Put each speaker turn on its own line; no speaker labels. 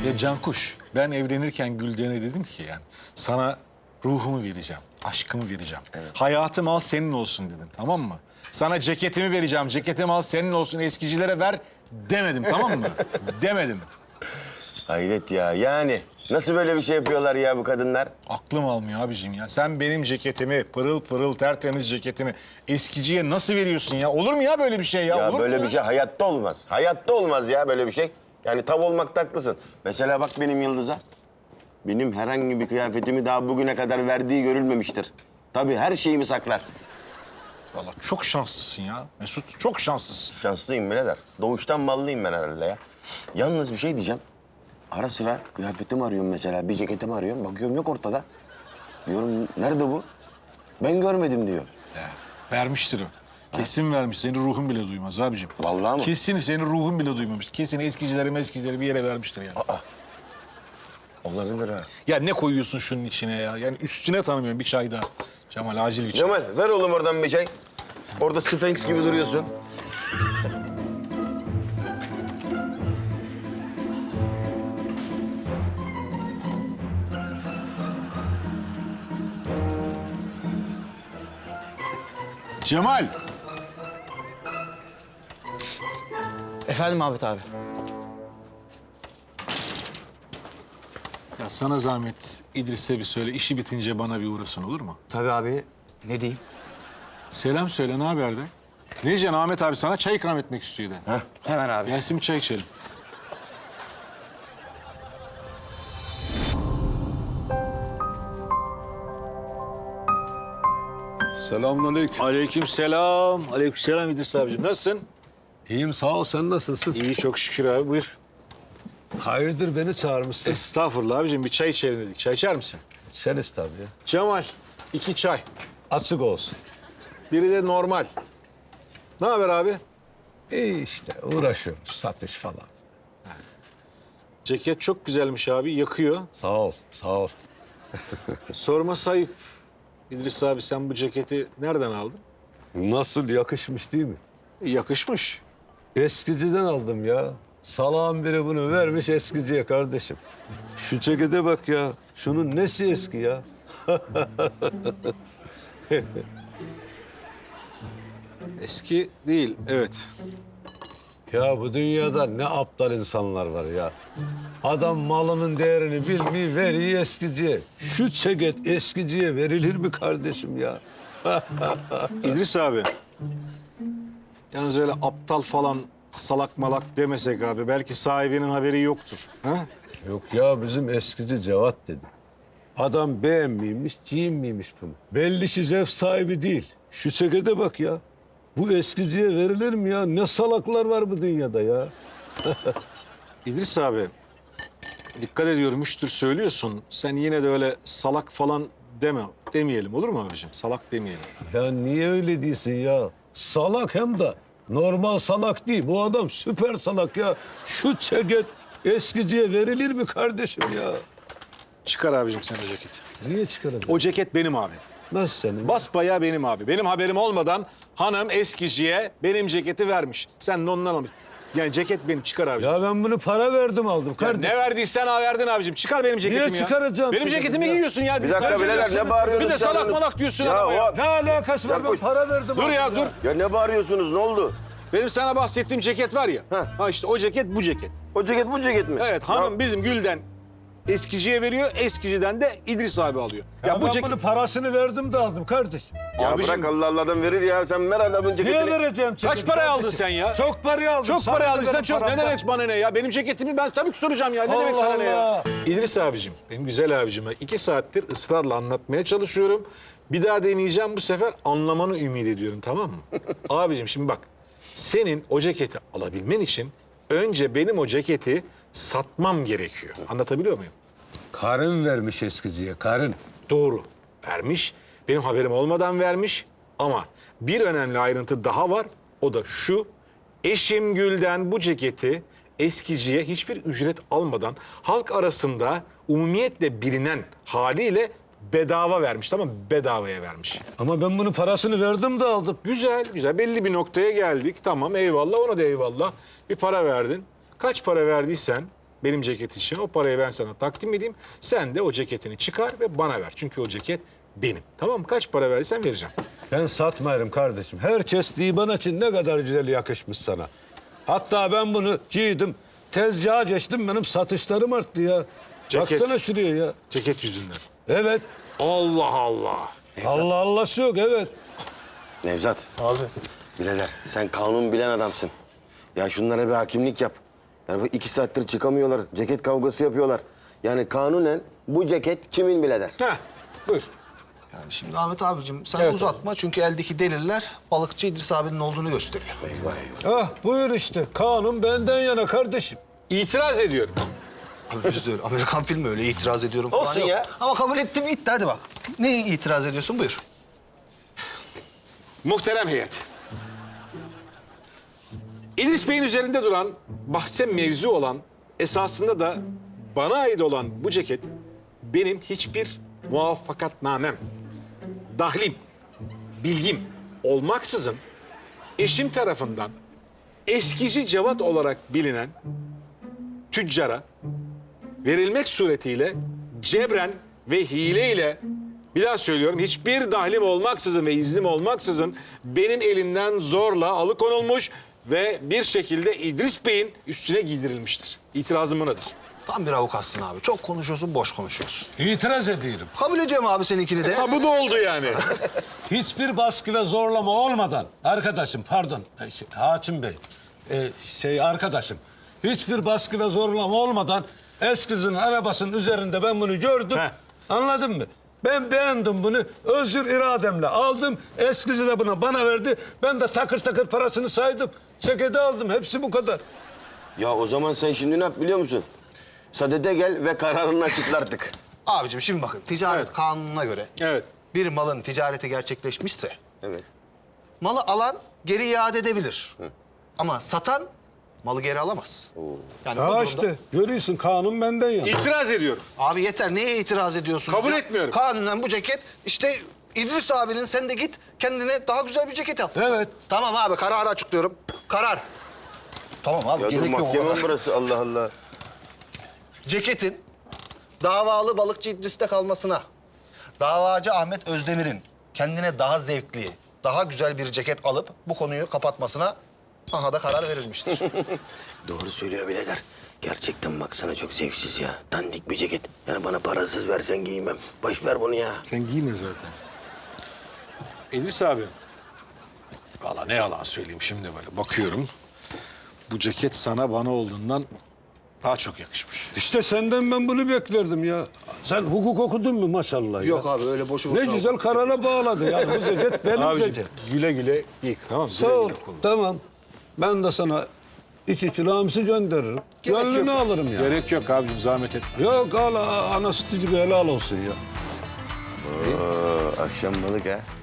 Ya Cankuş, ben evlenirken Gülden'e dedim ki yani sana ruhumu vereceğim, aşkımı vereceğim. Evet. Hayatım al senin olsun dedim, tamam mı? Sana ceketimi vereceğim, ceketimi al senin olsun, eskicilere ver demedim, tamam mı? Demedim.
Hayret ya, yani nasıl böyle bir şey yapıyorlar ya bu kadınlar?
Aklım almıyor abiciğim ya. Sen benim ceketimi, pırıl pırıl tertemiz ceketimi eskiciye nasıl veriyorsun ya? Olur mu ya böyle bir şey ya?
Ya
Olur
böyle
mu
bir şey hayatta olmaz. Hayatta olmaz ya böyle bir şey. Yani tav olmakta haklısın. Mesela bak benim Yıldız'a. Benim herhangi bir kıyafetimi daha bugüne kadar verdiği görülmemiştir. Tabii her şeyimi saklar.
Vallahi çok şanslısın ya Mesut, çok şanslısın.
Şanslıyım birader. Doğuştan ballıyım ben herhalde ya. Yalnız bir şey diyeceğim. Ara sıra kıyafetimi arıyorum mesela, bir ceketimi arıyorum. Bakıyorum yok ortada. Diyorum nerede bu? Ben görmedim diyor.
Ya, vermiştir o. Kesin vermiş. Senin ruhun bile duymaz abicim.
Vallahi mı?
Kesin senin ruhun bile duymamış. Kesin eskicileri bir yere vermiştir yani.
Olabilir ha.
Ya ne koyuyorsun şunun içine ya? Yani üstüne tanımıyorum bir çay daha. Cemal acil bir çay.
Cemal ver oğlum oradan bir çay. Orada Sphinx gibi duruyorsun.
Cemal!
Efendim Ahmet abi.
Ya sana zahmet İdris'e bir söyle. İşi bitince bana bir uğrasın olur mu?
Tabii abi. Ne diyeyim?
Selam söyle ne haber de? Ne diyeceksin Ahmet abi sana çay ikram etmek istiyor de.
Hemen abi.
Gelsin bir çay içelim.
Selamünaleyküm.
Aleykümselam. Aleykümselam İdris abicim. Nasılsın?
İyiyim sağ ol. Sen nasılsın?
İyi çok şükür abi buyur.
Hayırdır beni çağırmışsın?
Estağfurullah abicim bir çay içelim dedik. Çay içer misin?
İçeriz tabii ya.
Cemal 2 çay.
Açık olsun.
Biri de normal. Ne haber abi?
İyi işte uğraşıyoruz satış falan.
Ceket çok güzelmiş abi yakıyor.
Sağ ol, sağ ol.
Sorma sayıp İdris abi sen bu ceketi nereden aldın?
Nasıl yakışmış değil mi?
Yakışmış.
Eskiciden aldım ya. Salağın biri bunu vermiş eskiciye kardeşim. Şu cekete bak ya. Şunun nesi eski ya?
Eski değil evet.
Ya bu dünyada ne aptal insanlar var ya. Adam malının değerini bilmiyor, veriyor eskiciye. Şu ceket eskiciye verilir mi kardeşim ya?
İdris abi. Yalnız öyle aptal falan salak malak demesek abi. Belki sahibinin haberi yoktur. Ha?
Yok ya bizim eskici Cevat dedi. Adam beğenmiymiş, giyinmiymiş bunu. Belli ki zevk sahibi değil. Şu cekete bak ya. Bu eskiciye verilir mi ya? Ne salaklar var bu dünyada ya.
İdris abi. Dikkat ediyorum üçtür söylüyorsun. Sen yine de öyle salak falan demeyelim olur mu abiciğim? Salak demeyelim.
Ya niye öyle değilsin ya? Salak hem de normal salak değil. Bu adam süper salak ya. Şu ceket eskiciye verilir mi kardeşim ya?
Çıkar abicim sen o ceketi.
Niye çıkarın?
O ceket benim abi.
Nasıl senin?
Basbayağı benim abi. Benim haberim olmadan hanım eskiciye benim ceketi vermiş. Sen de ondan almış. Yani ceket benim. Çıkar abicim.
Ya ben bunu para verdim aldım
Ya
kardeşim.
ne verdiysen verdin abicim. Çıkar benim ceketimi
Niye
ya.
çıkaracağım
Benim
ceketimi
ceketimi
ya?
giyiyorsun ya.
Bir dakika birader ne bağırıyorsunuz?
Bir de salak malak diyorsun
Ya
adama ya.
o-
Ne alakası var? Ben
Yapmış.
para verdim
Dur
aldım
ya dur.
Ya ne bağırıyorsunuz ne oldu?
Benim sana bahsettiğim ceket var ya. Ha işte o ceket bu ceket.
O ceket bu ceket mi?
Evet hanım bizim Gül'den eskiciye veriyor. Eskiciden de İdris abi alıyor.
Ya ben bunun parasını verdim de aldım kardeşim.
Ya
Abicim-
bırak Allah Allah'dan verir ya. Sen ver adamın ceketini.
Niye vereceğim ceketi?
Kaç paraya aldın
kardeşim?
sen ya?
Çok paraya aldım.
Çok
Sana
para
ne
aldıysan
benim
çok. Ne
paramdan?
demek bana ne ya? Benim ceketimi ben tabii ki soracağım ya. Ne demek
Allah
sana ne ya?
Allah.
İdris abicim, benim güzel abicime 2 saattir ısrarla anlatmaya çalışıyorum. Bir daha deneyeceğim bu sefer anlamanı ümit ediyorum tamam mı? Abicim şimdi bak. Senin o ceketi alabilmen için önce benim o ceketi satmam gerekiyor. Anlatabiliyor muyum?
Karın vermiş eskiciye, karın.
Doğru. Vermiş. Benim haberim olmadan vermiş. Ama bir önemli ayrıntı daha var. O da şu. Eşim Gül'den bu ceketi eskiciye hiçbir ücret almadan halk arasında umumiyetle bilinen haliyle bedava vermiş. Tamam mı? Bedavaya vermiş.
Ama ben bunun parasını verdim de aldım.
Güzel, güzel. Belli bir noktaya geldik. Tamam, eyvallah. Ona da eyvallah. Bir para verdin. Kaç para verdiysen benim ceket için. O parayı ben sana takdim edeyim. Sen de o ceketini çıkar ve bana ver. Çünkü o ceket benim. Tamam mı? Kaç para verirsen vereceğim.
Ben satmayırım kardeşim. Her kestiği bana için ne kadar güzel yakışmış sana. Hatta ben bunu giydim. Tezgaha geçtim, benim satışlarım arttı ya.
Ceket.
Baksana şuraya ya.
Ceket yüzünden.
Evet.
Allah Allah.
Allah Allah'sı yok, evet.
Nevzat.
Abi.
Birader sen kanun bilen adamsın. Ya şunlara bir hakimlik yap. Yani bu 2 saattir çıkamıyorlar. Ceket kavgası yapıyorlar. Yani kanunen bu ceket kimin birader?
Heh, buyur.
Yani şimdi Ahmet abicim sen
Evet
uzatma çünkü eldeki deliller balıkçı İdris abinin olduğunu gösteriyor.
Ah buyur işte. Kanun benden yana kardeşim.
İtiraz ediyorum.
Abi biz de öyle Amerikan filmi öyle itiraz ediyorum falan
Olsun
yok.
ya.
Ama kabul ettim gitti hadi bak. Neye itiraz ediyorsun buyur.
Muhterem heyet. İdris Bey'in üzerinde duran, bahse mevzu olan, esasında da bana ait olan bu ceket benim hiçbir muvaffakatnamem, dahlim, bilgim olmaksızın eşim tarafından eskici Cevat olarak bilinen tüccara verilmek suretiyle cebren ve hileyle, bir daha söylüyorum, hiçbir dahlim olmaksızın ve iznim olmaksızın benim elimden zorla alıkonulmuş ve bir şekilde İdris Bey'in üstüne giydirilmiştir. İtirazım bunadır.
Tam bir avukatsın abi. Çok konuşuyorsun, boş konuşuyorsun.
İtiraz ediyorum.
Kabul ediyorum abi seninkini de.
Ha bu da oldu yani.
Hiçbir baskı ve zorlama olmadan arkadaşım, pardon Hakim Bey, arkadaşım, hiçbir baskı ve zorlama olmadan eskizin arabasının üzerinde ben bunu gördüm.
Heh.
Anladın mı? Ben beğendim bunu, özgür irademle aldım. Eskizi de bana verdi. Ben de takır takır parasını saydım. Çekede aldım. Hepsi bu kadar.
Ya o zaman sen şimdi ne yap biliyor musun? Sadede gel ve kararını açıkla artık.
Abicim şimdi bakın ticaret kanununa göre
Evet.
bir malın ticareti gerçekleşmişse
Evet.
malı alan geri iade edebilir. Ama satan malı geri alamaz. Yani bu
Ha
durumda-
işte görüyorsun, kanun benden yana.
İtiraz ediyorum.
Abi yeter neye itiraz ediyorsunuz
Kabul
ya?
etmiyorum.
Kanunen bu ceket işte İdris abinin sen de git kendine daha güzel bir ceket yap.
Evet.
Tamam abi kararı açıklıyorum. Karar. Tamam abi
Ya dur
gerek yok o
mahkeme
kadar.
burası Allah Allah.
Ceketin davalı balıkçı İdris'te kalmasına, davacı Ahmet Özdemir'in kendine daha zevkli, daha güzel bir ceket alıp bu konuyu kapatmasına aha da karar verilmiştir.
Doğru söylüyor birader. Gerçekten baksana çok zevksiz ya. Dandik bir ceket. Yani bana parasız versen giymem. Boş ver bunu ya.
Sen giyme zaten. İdris abi. Vallahi ne yalan söyleyeyim şimdi böyle bakıyorum. Bu ceket sana bana olduğundan daha çok yakışmış.
İşte senden ben bunu beklerdim ya. Sen hukuk okudun mu maşallah ya?
Yok abi öyle boşu
Ne
boşuna.
güzel karara bağladı ya. Bu ceket benim
Abiciğim
ceket.
güle güle giy tamam mı?
Sağ
Güle
ol.
güle kullan.
Tamam. Ben de sana içi çilağımsı gönderirim. Gönlünü alırım ya.
Gerek yok abicim zahmet etme.
Yok al ana sütücü bir helal olsun ya.
Oo, akşam balık ha.